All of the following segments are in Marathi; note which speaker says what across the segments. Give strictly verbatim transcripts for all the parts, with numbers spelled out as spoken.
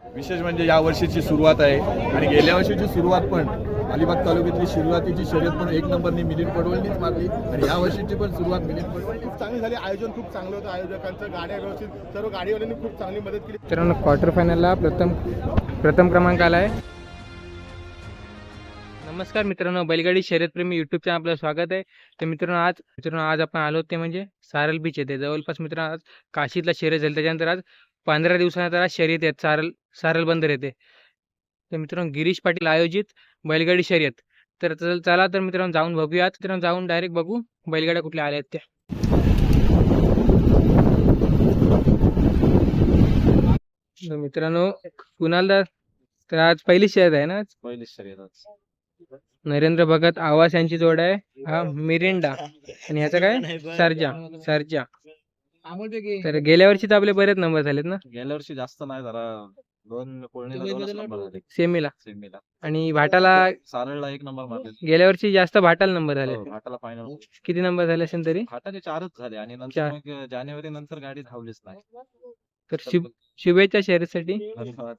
Speaker 1: विशेष म्हणजे या वर्षीची सुरुवात आहे आणि गेल्या वर्षीची सुरुवात पण अलिबाग तालुक्यातली सुरुवातीची शर्यत पण एक नंबरनी मिलिंद पडवळनीच मारली आणि या वर्षीची पण सुरुवात मिलिंद पडवळ
Speaker 2: खूप चांगली झाली. आयोजन खूप चांगलं होतं. आयोजकांचं गाड्या व्यवस्थित सर्व गाडीवाल्यांनी खूप चांगली मदत केली.
Speaker 3: मित्रांनो क्वार्टर फायनलला प्रथम प्रथम क्रमांक आला आहे. नमस्कार मित्रांनो, बैलगाडी शर्यतप्रेमी यूट्यूब चॅनल आपलं स्वागत आहे. तर मित्रांनो आज मित्रांनो आज आपण आलो ते म्हणजे सारल बीच येते जवळपास मित्रांनो आज काशीतला शर्यत झाली, त्याच्यानंतर आज पंधरा दिवसानंतर आज शर्यत येत सारल सारल बंदर येते. तर मित्रांनो गिरीश पाटील आयोजित बैलगाडी शर्यत. तर चल- चला तर मित्रांनो जाऊन बघूयात. मित्रांनो जाऊन डायरेक्ट बघू बैलगाड्या कुठल्या आल्या आहेत त्या. तर मित्रांनो कुणाल तर आज पहिली शर्यत आहे ना.
Speaker 1: पहिली शर्यत
Speaker 3: नरेंद्र भगत आवास यांची जोड आहे. हा मिरिंडा आणि ह्याचा काय सर्जा सर्जा. तर गेल्या वर्षी तर आपले बरेच नंबर झालेत ना
Speaker 1: गेल्या वर्षी जास्त नाही जरा दोन कोळणीला दोनच नंबर झाले
Speaker 3: सेमीला,
Speaker 1: सेमीला.
Speaker 3: आणि भाटाला
Speaker 1: सारळला एक नंबर मारले.
Speaker 3: गेल्या वर्षी जास्त भाटाला नंबर झाले.
Speaker 1: हो, घाटाला फायनल
Speaker 3: किती नंबर झाले असेल तरी.
Speaker 1: घाटाचे चारच झाले आणि नंतर
Speaker 3: चार.
Speaker 1: मग जानेवारी नंतर गाडी धावलीच नाही.
Speaker 3: तर शुभ शुभेच्छा शर्यतीसाठी.
Speaker 1: धन्यवाद.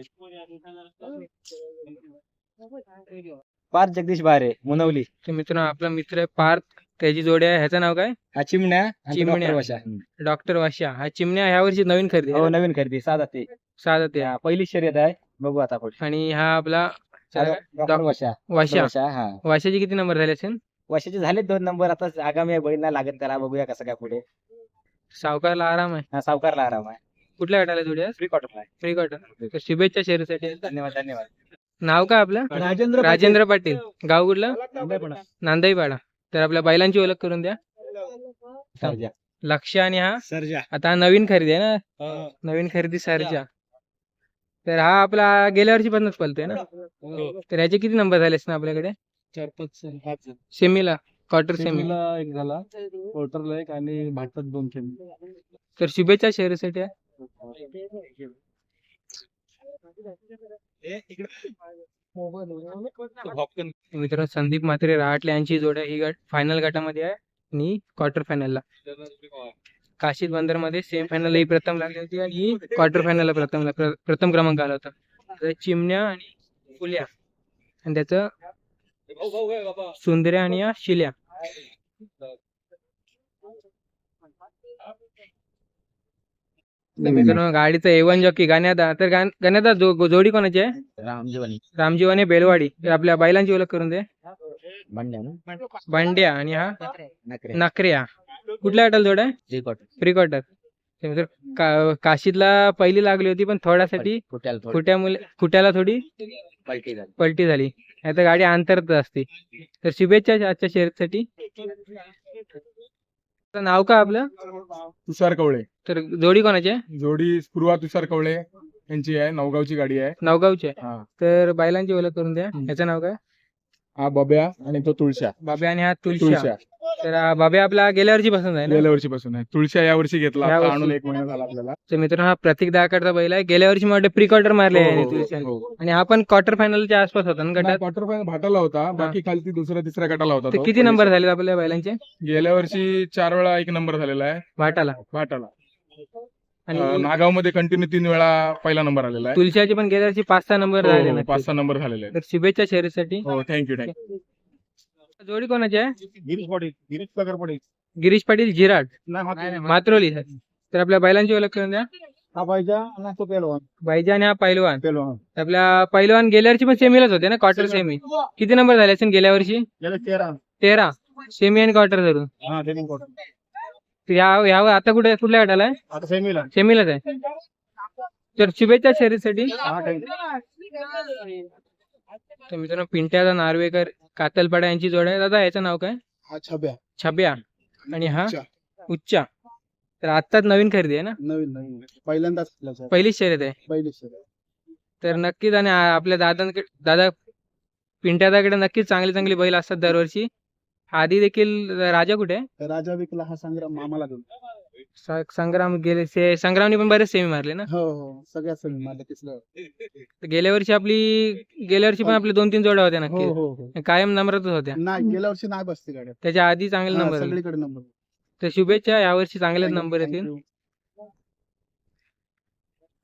Speaker 4: पार्थ जगदीश बारे मुनवली.
Speaker 3: तर मित्रांनो आपला मित्र आहे पार्थ, त्याची जोडी आहे. ह्याचं नाव काय
Speaker 4: हा चिमण्या आणि
Speaker 3: चिमण्या.
Speaker 4: डॉक्टर वशा.
Speaker 3: डॉक्टर वाशा. हा चिमण्या ह्या वर्षी नवीन खरेदी
Speaker 4: हो नवीन खरेदी साधा ते
Speaker 3: साधा ते.
Speaker 4: हा, पहिली शर्यत आहे. बघू आता पुढे.
Speaker 3: आणि हा आपला
Speaker 4: हा, डॉक्टर वशा
Speaker 3: वाशा.
Speaker 4: वशा हा
Speaker 3: वाशाचे किती नंबर झाले असेल.
Speaker 4: वशाचे झाले दोन नंबर. आता आगामी आहे, बैल नाही लागत त्याला. बघूया कसं काय पुढे.
Speaker 3: सावकारला आराम आहे.
Speaker 4: हा सावकारला आराम आहे.
Speaker 3: कुठल्या गटाला जोडी आहे.
Speaker 4: फ्री क्वार्टर आहे.
Speaker 3: Free quarter. तर शुभेच्छा शर्यतीसाठी.
Speaker 4: धन्यवाद धन्यवाद.
Speaker 3: नाव काय आपलं.
Speaker 2: राजेंद्र
Speaker 3: राजेंद्र पाटील. गाव कुठलं.
Speaker 2: पाटील.
Speaker 3: नांदाईपाडा. तर आपल्या बैलांची ओळख करून द्या.
Speaker 4: सर्जा.
Speaker 3: लक्ष आणि हा
Speaker 2: सर्जा.
Speaker 3: आता हा नवीन खरेदी आहे ना. नवीन खरेदी सर्जा. तर हा आपला गेल्या वर्षी पन्नास पलतोय ना. तर याचे किती नंबर झाले ना आपल्याकडे.
Speaker 2: चार पाच
Speaker 3: सेमीला क्वार्टर सेमी.
Speaker 2: एक झाला, क्वार्टरला एक आणि भातात दोन सेमी.
Speaker 3: तर शुभेच्छा शर्यतीसाठी. मित्रांनो संदीप म्हात्रे राहटले यांची जोड आहे. ही गट फायनल गटामध्ये आहे आणि क्वार्टर फायनलला. काशीत बंदर मध्ये सेमी फायनल ही प्रथम लागली होती आणि ही क्वार्टर फायनलला प्रथम प्र- प्रथम क्रमांक आला होता. तर चिमण्या आणि फुल्या आणि त्याचं सुंदर्या आणि या शिल्या. मित्रांनो गाडीचं एवन जॉकी गाण्यादा. तर गाण- गाण्यादा जो- जोडी कोणाची आहे.
Speaker 4: रामजीवनी
Speaker 3: रामजीव आणि बेलवाडी. तर आपल्या बैलांची ओळख करून दे.
Speaker 4: बंड्या ना
Speaker 3: बांड्या आणि हा
Speaker 4: नकरे
Speaker 3: नकऱ्या. कुठल्या गटाला जोड आहे.
Speaker 4: Free quarter.
Speaker 3: Pre quarter. ते मित्र का- काशीतला पहिली लागली होती पण थोड्यासाठी
Speaker 4: फुट्याला थोडी
Speaker 3: खुट्यामुळे खुट्याला थोडी
Speaker 4: पलटी झाली.
Speaker 3: पलटी झाली. आता गाडी अंतरत असते. तर शुभेच्छा आजच्या शर्यतीसाठी. आता नाव का आपलं.
Speaker 2: तुषार कवळे.
Speaker 3: तर जोडी कोणाची आहे.
Speaker 2: जोडी स्पृहा तुषार कवळे यांची आहे. नवगावची गाडी आहे.
Speaker 3: नवगावची आहे.
Speaker 2: हा
Speaker 3: तर बैलांची ओळख करून द्या. याचं नाव काय.
Speaker 2: हा बब्या आणि तो तुळशा.
Speaker 3: बाब्या आणि हा तुळशा.
Speaker 2: तुळशा
Speaker 3: तर हा बाब्या आपला गेल्या वर्षी पसंत आहे ना.
Speaker 2: गेल्या वर्षीपासून आहे. तुळशा या वर्षी घेतला.
Speaker 3: या
Speaker 2: आता
Speaker 3: वर्षी.
Speaker 2: आणून एक महिना झाला आपल्याला.
Speaker 3: तर मित्रांनो हा प्रतीक दाकडचा बैल आहे. गेल्या वर्षी मला प्री क्वार्टर मारले आहे
Speaker 2: हो, हो,
Speaker 3: तुळशाने.
Speaker 2: हो.
Speaker 3: आणि हा पण क्वार्टर फायनलच्या आसपास होता ना गटात.
Speaker 2: क्वार्टर फायनल भाटाला होता. बाकी खालती दुसऱ्या तिसऱ्या गटाला होता
Speaker 3: तर
Speaker 2: तो.
Speaker 3: किती नंबर झाले आपल्या बैलांचे
Speaker 2: गेल्या वर्षी चार वेळा एक नंबर झालेला आहे
Speaker 3: भाटाला.
Speaker 2: भाटाला.
Speaker 3: आणि
Speaker 2: नागाव मध्ये कंटिन्यू तीन वेळा पहिला नंबर आलेला आहे.
Speaker 3: तुळशाचे पण गेल्या वर्षी पाच सहा नंबर झाले
Speaker 2: हो,
Speaker 3: ना.
Speaker 2: पाच सहा नंबर झालेले आहेत.
Speaker 3: तर शुभेच्छा शर्यतीसाठी.
Speaker 2: हो थँक्यू थँक्यू.
Speaker 3: जोडी कोणाची आहे.
Speaker 2: गिरीश पाटील. गिरीश पगार पाटील.
Speaker 3: गिरीश पाटील जिराट मात्रोली. तर आपल्या बैलांची ओळख करून द्या.
Speaker 2: हा पाहिजे ना तो पेलवान.
Speaker 3: बाईजा आणि हा पैलवान.
Speaker 2: पेलवान.
Speaker 3: आपल्या पैलवान गेल्या वर्षी पण सेमीलाच होते ना क्वार्टर सेमी. किती नंबर झाले असेल गेल्या वर्षी.
Speaker 2: गेले तेरा.
Speaker 3: तेरा सेमी आणि क्वार्टर धरून.
Speaker 2: हा ट्रेनिंग कोर्स.
Speaker 3: तर या यावर आता कुठे कुठल्या गटाला आहे.
Speaker 2: आता सेमीला.
Speaker 3: सेमीलाच आहे. तर शुभेच्छा शर्यतीसाठी.
Speaker 2: हा थँक्यू.
Speaker 3: तर मित्रांनो पिंट्याचा नार्वेकर कातलपाडा यांची जोड आहे. दादा याचं नाव काय.
Speaker 2: हा छब्या.
Speaker 3: छब्या आणि हा
Speaker 2: उच्चा.
Speaker 3: उच्चा. तर आत्ताच नवीन खरेदी आहे ना.
Speaker 2: नवीन नवीन पहिल्यांदाच
Speaker 3: पहिलीच शर्यत आहे.
Speaker 2: पहिली.
Speaker 3: तर नक्कीच आणि आ- आपल्या दादांकडे दादा पिंट्यादाकडे नक्कीच चांगली चांगली बैल असतात दरवर्षी. आधी देखील राजा कुठे आहे.
Speaker 2: राजा विकला हा संग्राम मामाला घेऊन.
Speaker 3: स- संग्राम गेले से संग्रामने पण बरेच सेमी मारले ना.
Speaker 2: हो हो सगळ्या सगळं मला तिसरं.
Speaker 3: तर गेल्या वर्षी आपली गेल्या वर्षी पण आपली दोन तीन जोड्या होत्या
Speaker 2: हो
Speaker 3: नक्की.
Speaker 2: हो हो.
Speaker 3: कायम नंबरच होत्या.
Speaker 2: नाही गेल्या वर्षी नाही बसते गाड्या.
Speaker 3: त्याच्या आधी चांगले
Speaker 2: हा,
Speaker 3: नंबर आले.
Speaker 2: सगळीकडे नंबर.
Speaker 3: तर शुभेच्छा यावर्षी चांगलेच नंबर येतील.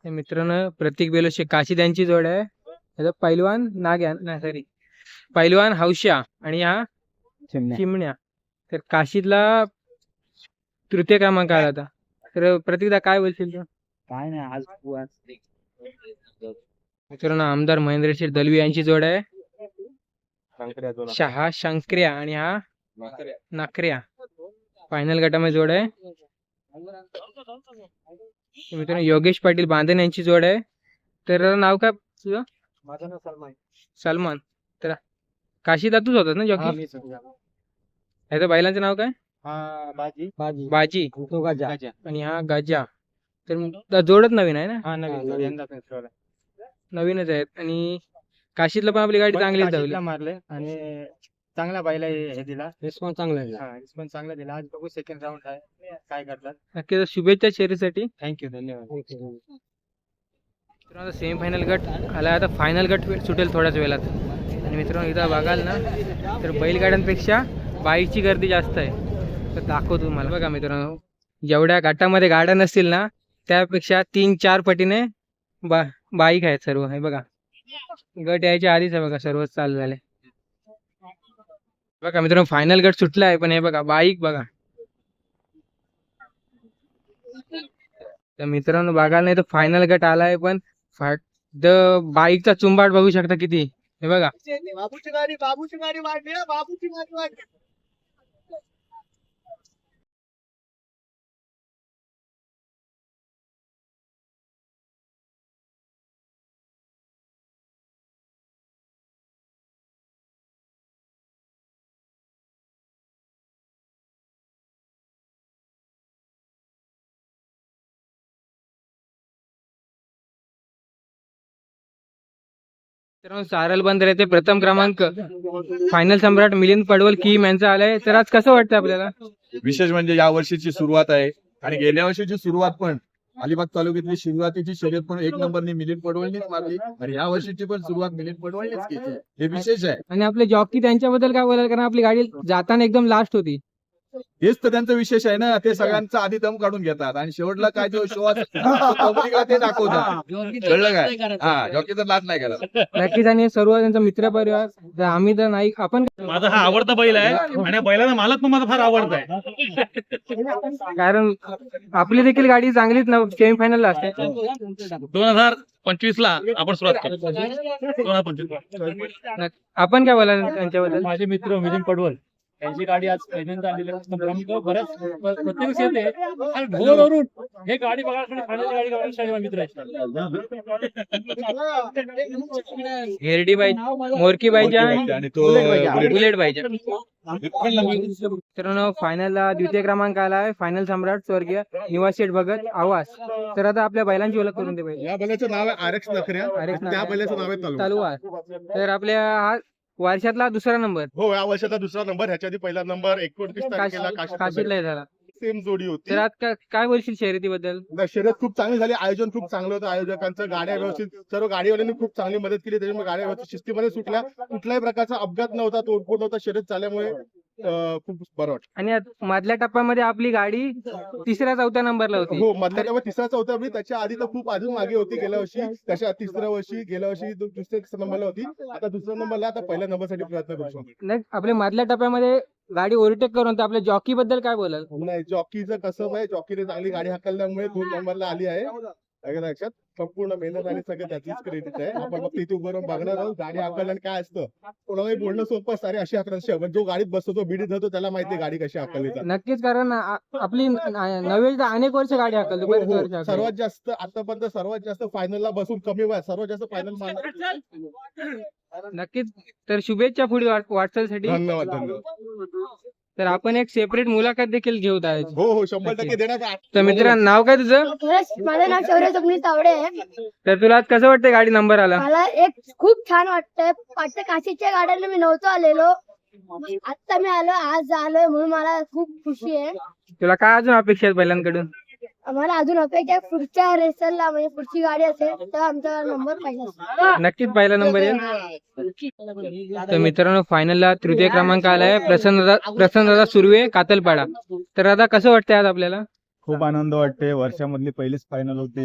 Speaker 3: हे मित्रांनो प्रतीक बेलोशे काशी त्यांची जोड आहे. याचा पैलवान नाग्या नाही सॉरी पैलवान हौशा आणि हा चिमण्या. तर काशीतला तृतीय क्रमांक आला होता. तर प्रतीकदा काय बोलशील तू?
Speaker 4: काय नाही आज
Speaker 3: मित्रांनो आमदार महेंद्रशेठ दलवी यांची जोड आहे. शहा शंकर्या आणि हा नाकऱ्या फायनल गटामध्ये जोड आहे. मित्रांनो योगेश पाटील बांधन यांची जोड आहे. तर नाव काय तुझं?
Speaker 4: माझं नाव सलमान.
Speaker 3: सलमान. तर काशी दातूच होतात ना जॉकी? ह्याचं बैलांचं नाव काय?
Speaker 4: हा बाजी बाजी
Speaker 3: बाजी
Speaker 4: तो गाजा
Speaker 3: आणि हा गाजा. तर जोडच नवीन आहे ना?
Speaker 4: हा नवीन
Speaker 3: नवीनच आहेत. आणि काशीतला पण आपली गाडी चांगलीच धावली.
Speaker 4: मारले आणि चांगला बैला हे दिला रिस्पॉन्स चांगला दिला. हा रिस्पॉन्स चांगला दिला. आज बघू सेकंड राऊंड आहे काय करतात.
Speaker 3: नक्कीच शुभेच्छा शर्यतीसाठी.
Speaker 4: थँक्यू धन्यवाद.
Speaker 3: मित्रांनो सेमीफायनल गट आला. आता फायनल गट सुटेल थोड्याच वेळात. आणि मित्रांनो इथं बघाल ना तर बैलगाड्यांपेक्षा बाईकची गर्दी जास्त आहे. तर दाखवतो तुम्हाला. बघा मित्रांनो जेवढ्या गटामध्ये गाड्या नसतील ना त्यापेक्षा तीन चार पटीने बा बाईक आहेत सर्व. हे बघा गट यायच्या आधीच आहे बघा सर्वच चालू झाले. बघा मित्रांनो फायनल गट सुटला आहे पण हे बघा बाईक बघा. तर मित्रांनो बघायला नाही तर फायनल गट आलाय पण द बाईकचा चुंबाट बघू शकता किती. हे बघा
Speaker 2: बाबूची गाडी बाबूची गाडी वाढली बाबूची गाडी वाढली.
Speaker 3: मित्रांनो सारल बंदर येथे प्रथम क्रमांक फायनल सम्राट मिलिंद पडवल किम यांचा आलाय. तर आज कसं वाटतं आपल्याला?
Speaker 1: विशेष म्हणजे या वर्षीची सुरुवात आहे आणि गेल्या वर्षीची सुरुवात पण अलिबाग तालुक्यातली सुरुवातीची शर्यत पण एक नंबरने मिलिंद पडवळनीच मारली आणि या वर्षीची पण सुरुवात मिलिंद पडवळनीच केली. हे विशेष आहे.
Speaker 3: आणि आपले जॉकी त्यांच्याबद्दल काय बोलाल? कारण आपली गाडी जाताना एकदम लास्ट होती.
Speaker 1: हेच तर त्यांचं विशेष आहे ना. ते सगळ्यांचा आधी दम काढून घेतात आणि शेवटला काय जो शो पब्लिकला ते दाखवतात. कळलं काय? हा जॉकी तर लाच नाही करत.
Speaker 3: नक्कीच. आणि सर्व त्यांचा मित्र परिवार आम्ही तर नाही. आपण
Speaker 5: माझा हा आवडता बैल आहे आणि बैलाचा मालक पण माझा फार आवडता आहे.
Speaker 3: कारण आपली देखील गाडी चांगलीच सेमीफायनल ला असते.
Speaker 5: दोन हजार पंचवीस ला आपण सुरुवात केली. दोन हजार पंचवीस
Speaker 3: आपण काय बोला त्यांच्याबद्दल?
Speaker 5: माझे मित्र मिलिंद पडवल यांची गाडी आज पहिल्यांदा आलेली आहे. बऱ्याच प्रत्येक येते आणि ढोलवरून हे गाडी बघायला फायनल गाडी बघायला मित्र आहेत.
Speaker 3: हेरडी बाई मोरकी बाईच्या
Speaker 1: आणि तो
Speaker 3: बुलेट बाईच्या. मित्रांनो फायनलला द्वितीय क्रमांक आलाय फायनल सम्राट स्वर्गीय निवास शेठ भगत आवास. तर आता आपल्या बैलांची ओळख करून दे पाहिजे.
Speaker 2: या बैलाचं नाव आहे आर एक्स नखऱ्या. त्या बैलाचं नाव आहे तलवार.
Speaker 3: तलवार. तर आपल्या हा वर्षातला दुसरा नंबर.
Speaker 2: हो या वर्षाचा दुसरा नंबर. ह्याच्या आधी पहिला नंबर एकोणतीस तारखेला
Speaker 3: काशीतला झाला.
Speaker 2: सेम जोडी होती.
Speaker 3: तर आज काय बोलशील शर्यतीबद्दल?
Speaker 2: शर्यत खूप चांगली झाली. आयोजन खूप चांगलं होतं. आयोजकांचं गाड्या व्यवस्थित सर्व गाडीवाल्यांनी खूप चांगली मदत केली. त्याच्यामुळे गाड्या व्यवस्थित शिस्तीमध्ये सुटल्या. कुठल्याही प्रकारचा अपघात नव्हता. तोडफोड नव्हता. शर्यत झाल्यामुळे खूप बरं वाटतं.
Speaker 3: आणि मधल्या टप्प्यामध्ये आपली गाडी तिसऱ्या चौथ्या नंबरला होती.
Speaker 2: हो मधल्या टप्प्यात तिसरा चौथ्या वेळी. त्याच्या आधी तर खूप अजून मागे होती. गेल्या वर्षी त्याच्या तिसऱ्या वर्षी गेल्या वर्षी दुसऱ्या नंबरला होती. आता दुसऱ्या नंबरला. आता पहिल्या नंबरसाठी प्रयत्न करू.
Speaker 3: नाही आपल्या मधल्या टप्प्यामध्ये गाडी ओव्हरटेक करून आपल्या जॉकी बद्दल काय बोलाल?
Speaker 2: नाही जॉकीचं कसं आहे. जॉकीने चांगली गाडी हाकलल्यामुळे दोन नंबरला आली आहे. लक्षात संपूर्ण मेहनत आणि सगळं त्याचीच क्रेडिट आहे. आपण फक्त इथे उभं राहून बघणार आहोत. गाडी हाकलल्याने काय असतं कोणालाही बोलणं सोपं. सारे अशी हाकल जो गाडीत बसतो तो बिडीत जातो त्याला माहिती आहे गाडी कशी हाकलली जाते.
Speaker 3: नक्कीच. कारण आपली नव्हे अनेक वर्ष गाडी हाकलतो.
Speaker 2: सर्वात जास्त आतापर्यंत सर्वात जास्त फायनलला बसून कमी वयात सर्वात जास्त फायनल.
Speaker 3: नक्कीच. तर शुभेच्छा पुढे वाटचालीसाठी.
Speaker 2: धन्यवाद धन्यवाद.
Speaker 3: तर आपण एक सेपरेट मुलाखत देखील घेऊ आहे.
Speaker 2: हो हो शंभर टक्के देणार.
Speaker 3: तर मित्रांनो नाव काय तुझं?
Speaker 6: माझं नाव शौर्य स्वप्नील तावडे आहे.
Speaker 3: तर तुला आज कसं वाटतं गाडी नंबर आला?
Speaker 6: मला एक खूप छान वाटतंय. वाटतं काशीच्या गाड्यांना मी नव्हतो आलेलो. आता मी आलो आज आलोय म्हणून मला खूप खुशी आहे.
Speaker 3: तुला काय अजून अपेक्षा आहेत बैलांकडून?
Speaker 6: आम्हाला अजून अपेक्षा पुढच्या रेसरला म्हणजे पुढची गाडी असेल तर आमचा नंबर पाहिजे.
Speaker 3: नक्कीच पहिला नंबर येईल. तर मित्रांनो फायनलला तृतीय क्रमांक आलाय प्रसन्न प्रसन्नदादा सुर्वे कातलपाडा. तर आता कसं वाटतंय आज आपल्याला?
Speaker 7: खूप आनंद वाटते. वर्षामधली पहिलीच फायनल होती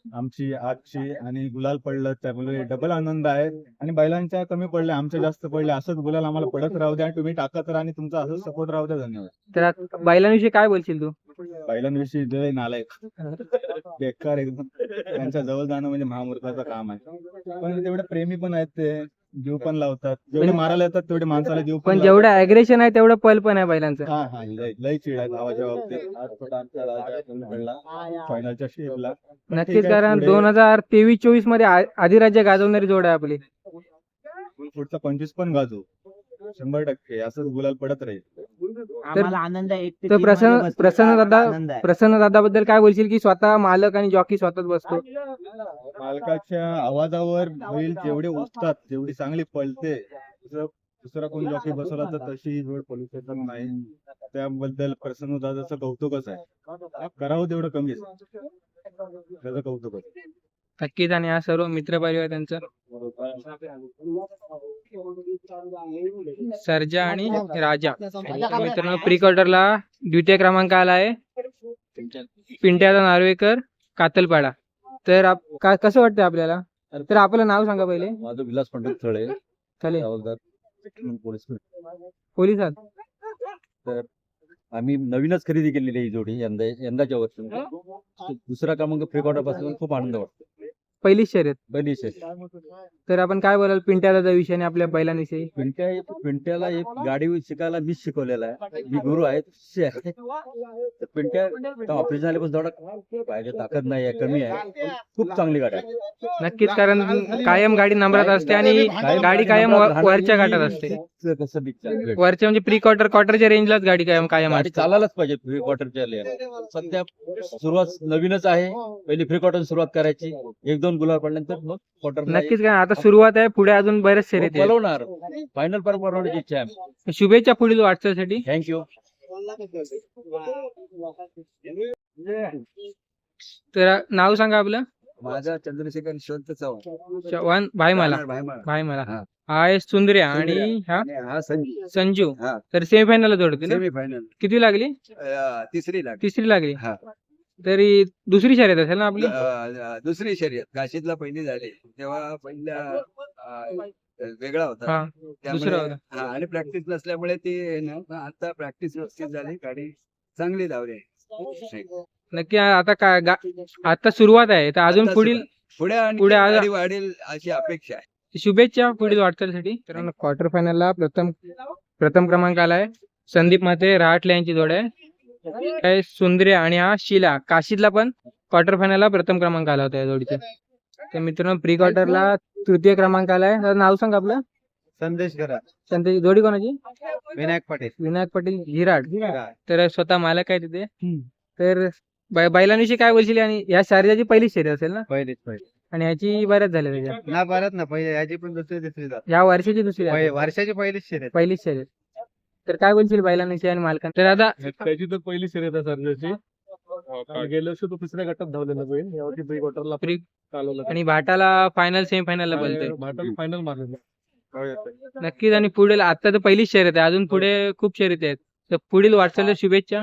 Speaker 7: आमची आजची आणि गुलाल पडलं त्यामुळे डबल आनंद आहे. आणि बैलांच्या कमी पडले, आमच्या जास्त पडले, असंच गुलाल आम्हाला पडत राहू द्या आणि तुम्ही टाकत राहा आणि तुमचा असंच सपोर्ट राहू द्या. धन्यवाद.
Speaker 3: तर आता बैलांविषयी काय बोलशील तू?
Speaker 7: बैलांविषयी लय नालायक बेकार एकदम, त्यांच्या जवळ जाणं म्हणजे महामूर्खाचं काम आहे. पण तेवढे प्रेमी पण आहेत, ते जीव पण लावतात, जेवढे मारायला येतात तेवढे माणसाला जीव
Speaker 3: पण
Speaker 7: पण
Speaker 3: जेवढं अग्रेशन आहे तेवढं पल पण आहे बैलांचं.
Speaker 7: हा हा लय लय चिड आहे भावाच्या बाबतीत. आज थोडा आमचा राजा कमी पडला फायनलच्या शेपला.
Speaker 3: नक्कीच,
Speaker 7: ठीक आहे,
Speaker 3: कारण
Speaker 7: पुढे-
Speaker 3: दोन हजार तेवीस चोवीस मध्ये आ- अधिराज्य गाजवणारी जोड आहे आपली.
Speaker 7: पुढचा पंचवीस पण गाजू शंभर टक्के असंच गुलाल पडत राहील.
Speaker 8: आम्हाला आनंद आहे. एक ते
Speaker 3: तर
Speaker 8: तीन
Speaker 3: प्रसन्न
Speaker 8: मध्ये बसलो
Speaker 3: प्रसन्न
Speaker 8: तर
Speaker 3: दादा
Speaker 8: आनंद आहे.
Speaker 3: प्रसन्न दादाबद्दल काय बोलशील की स्वतः मालक आणि जॉकी स्वतःच बसतो?
Speaker 7: मालकाच्या आवाजावर बैल जेवढे उठतात जेवढी चांगली पळते, दुसरं दुसरा कोण जॉकी बसवला तर तशी जोड पळू शकत नाही. त्याबद्दल प्रसन्न दादाचं कौतुकच आहे. करावं तेवढं कमीच, त्याचं कौतुकच.
Speaker 3: नक्कीच. आणि हा सर्व मित्र परिवार त्यांचा सर्जा आणि राजा. तर मित्रांनो, प्री क्वार्टरला द्वितीय क्रमांक आला आहे पिंट्याचा नार्वेकर कातलपाडा. तर आप- का- कसं वाटतं आपल्याला? तर आपलं नाव सांगा पहिले.
Speaker 9: माझं विलास पंडित थळे,
Speaker 3: चालेल.
Speaker 9: हवालदार पोलीस.
Speaker 3: पोलिसात
Speaker 9: तर आम्ही नवीनच खरेदी केलेली आहे ही जोडी यंदा यंदाच्या वर्षी. दुसरा क्रमांक फ्री क्वार्टर पासून खूप आनंद वाटतो.
Speaker 3: पहिलीच शर्यत.
Speaker 9: पहिली शेत
Speaker 3: तर आपण काय बोलाल पिंट्या दादा विषयी आणि आपल्या बैलांविषयी?
Speaker 9: पिंट्या पिंट्याला एक गाडी शिकायला मीच शिकवलेला आहे. मी गुरु आहे, शिष्य आहे. तर पिंट्या ऑपरेशन झाल्यापासून थोडा पाहिजे ताकद नाही आहे, कमी आहे. खूप चांगली गाडी आहे.
Speaker 3: नक्कीच, कारण कायम गाडी नंबरात असते आणि गाडी कायम वर- वरच्या घाटात असते.
Speaker 9: कसं बिचार
Speaker 3: वरच्या म्हणजे प्री क्वार्टर क्वार्टरच्या रेंजलाच गाडी कायम कायम
Speaker 9: गाडी
Speaker 3: असते.
Speaker 9: चालायलाच पाहिजे फ्री क्वार्टरच्या लेअर. सध्या सुरुवात नवीनच आहे, पहिली फ्री क्वार्टर सुरुवात करायची. एक दोन गुलाल पडल्यानंतर मग क्वार्टर
Speaker 3: नक्कीच, कारण आता सुरुवात आहे, पुढे अजून बरेच शर्यती आहेत.
Speaker 9: बोलवणार फायनल पर बनवण्याची इच्छा आहे.
Speaker 3: शुभेच्छा पुढील वाटचालीसाठी.
Speaker 9: थँक्यू.
Speaker 3: तर नाव सांगा आपलं.
Speaker 1: माझा चंद्रशेखर यशवंत चव्हाण.
Speaker 3: चव्हाण भाई मला
Speaker 1: भाईमाळा.
Speaker 3: भाई मला
Speaker 1: हा.
Speaker 3: हा आहे सुंदर्या आणि हा
Speaker 1: आणि हा संजू
Speaker 3: संजू.
Speaker 1: हा.
Speaker 3: तर सेमीफायनल जोडते ना?
Speaker 1: सेमी फायनल
Speaker 3: किती लागली?
Speaker 1: तिसरी लाग
Speaker 3: तिसरी लागली.
Speaker 1: हा.
Speaker 3: तरी दुसरी शर्यत असेल ना आपली?
Speaker 1: अ, दुसरी शर्यत काशीतला पहिली झाली तेव्हा पहिला अ, वेगळा होता.
Speaker 3: हा
Speaker 1: त्यामुळे-
Speaker 3: दुसरा होता.
Speaker 1: हा, आणि प्रॅक्टिस नसल्यामुळे ते ना, पण आता प्रॅक्टिस व्यवस्थित झाली, गाडी चांगली धावली.
Speaker 3: नक्की. आता काय गा- आता सुरुवात आहे, तर अजून
Speaker 1: आता
Speaker 3: पुढील
Speaker 1: पुढे आणि
Speaker 3: पुढे आज-
Speaker 1: गाडी वाढेल अशी अपेक्षा आहे.
Speaker 3: शुभेच्छा पुढील वाटचालीसाठी. तर क्वार्टर फायनलला प्रथम प्रथम क्रमांक आलाय संदीप माते रहाटले यांची जोड आहे. काय सुंदर्या आणि हा शिला काशीतला पण क्वार्टर फायनलला प्रथम क्रमांक आला होता या जोडीचा. तर मित्रांनो, प्री क्वार्टरला तृतीय क्रमांक आलाय. तर नाव सांग आपलं.
Speaker 2: संदेश करा.
Speaker 3: त्यांची जोडी कोणाची?
Speaker 2: विनायक पाटील.
Speaker 3: विनायक पाटील झिराड. तर स्वतः मालक आहे तिथे. तर बै- बैलांविषयी काय बोलशील? आणि या शारजाची पहिली शर्यत असेल ना?
Speaker 2: पहिलीच पहिली
Speaker 3: आणि ह्याची बऱ्याच झाल्या त्याच्या.
Speaker 2: ना भारत ना पहिले याची पण दुसरी तिसरी जात.
Speaker 3: या वर्षाची दुसरी आहे.
Speaker 2: वर्षाची पहिलीच शर्यत.
Speaker 3: पहिलीच शर्यत. तर काय बोलशील बैलांविषयी आणि मालकां? तर आता
Speaker 5: त्याची तर पहिली शर्यत आहे सर्जाची. गेल्या वर्षी तो दुसऱ्या गटात धावलेला बैल, यावर्षी प्री क्वार्टरला
Speaker 3: Pre-
Speaker 5: चालवला.
Speaker 3: आणि भाटाला फायनल सेमीफायनलला बोलतोय.
Speaker 5: भाटात फायनल मारलेला.
Speaker 3: नक्कीच. आणि पुढील आता तर पहिलीच शर्यत आहे, अजून पुढे खूप शर्यती आहेत. तर पुढील वाटचालीला शुभेच्छा.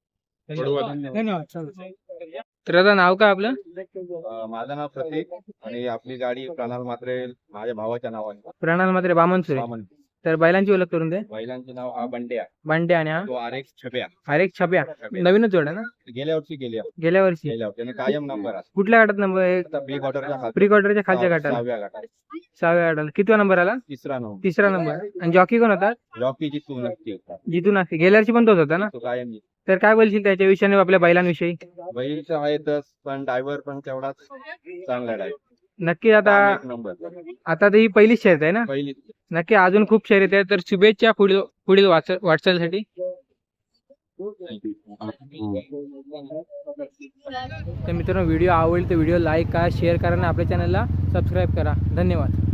Speaker 3: तर आता नाव काय आपलं?
Speaker 7: अं, माझं नाव प्रतीक आणि आपली गाडी प्रणाल मात्रे माझ्या भावाच्या नावाने.
Speaker 3: प्रणाल मात्र बामनसुरे.
Speaker 7: वामन.
Speaker 3: तर बैलांची ओळख करून दे.
Speaker 7: बैलांचे नाव हा बंड्या,
Speaker 3: बांडे आणि हा
Speaker 7: तो आरेख छप्या.
Speaker 3: अरे छप्या.
Speaker 7: छप्या.
Speaker 3: नवीनच जोड आहे ना?
Speaker 7: गेल्या वर्षी गेल्या
Speaker 3: गेल्या वर्षी
Speaker 7: गेल्या वर्षी आणि कायम नंबर असतो.
Speaker 3: कुठल्या गाठात नंबर?
Speaker 7: आता प्री क्वार्टरच्या खाली
Speaker 3: प्री क्वार्टरच्या खालच्या
Speaker 7: सहा-
Speaker 3: गाठाला
Speaker 7: सहाव्या गटात
Speaker 3: सहाव्या गाठाला कितवा नंबर आला?
Speaker 7: तिसरा नंबर.
Speaker 3: तिसरा नंबर. आणि जॉकी कोण होता?
Speaker 7: जॉकीची तू नक्की होता,
Speaker 3: जितू नाशिक. गेल्या वर्षी पण तोच होता ना?
Speaker 7: तो कायम येतो.
Speaker 3: तर काय बोलशील त्याच्या विषयाने आपल्या बैलांविषयी?
Speaker 7: बैलचा आहेतच पण ड्रायव्हर पण तेवढाच चांगला ड्रायव्हर.
Speaker 3: नक्की. आता
Speaker 7: नंबर
Speaker 3: आता तर ही पहिलीच शर्यत आहे ना?
Speaker 7: पहिली.
Speaker 3: नक्की. अजून खूप शर्यत आहे. तर शुभेच्छा पुढील पुढील वाच- वाटचालीसाठी. तर मित्रांनो, व्हिडिओ आवडली तर व्हिडिओ लाईक करा, शेअर करा आणि आपल्या चॅनलला सबस्क्राईब करा. धन्यवाद.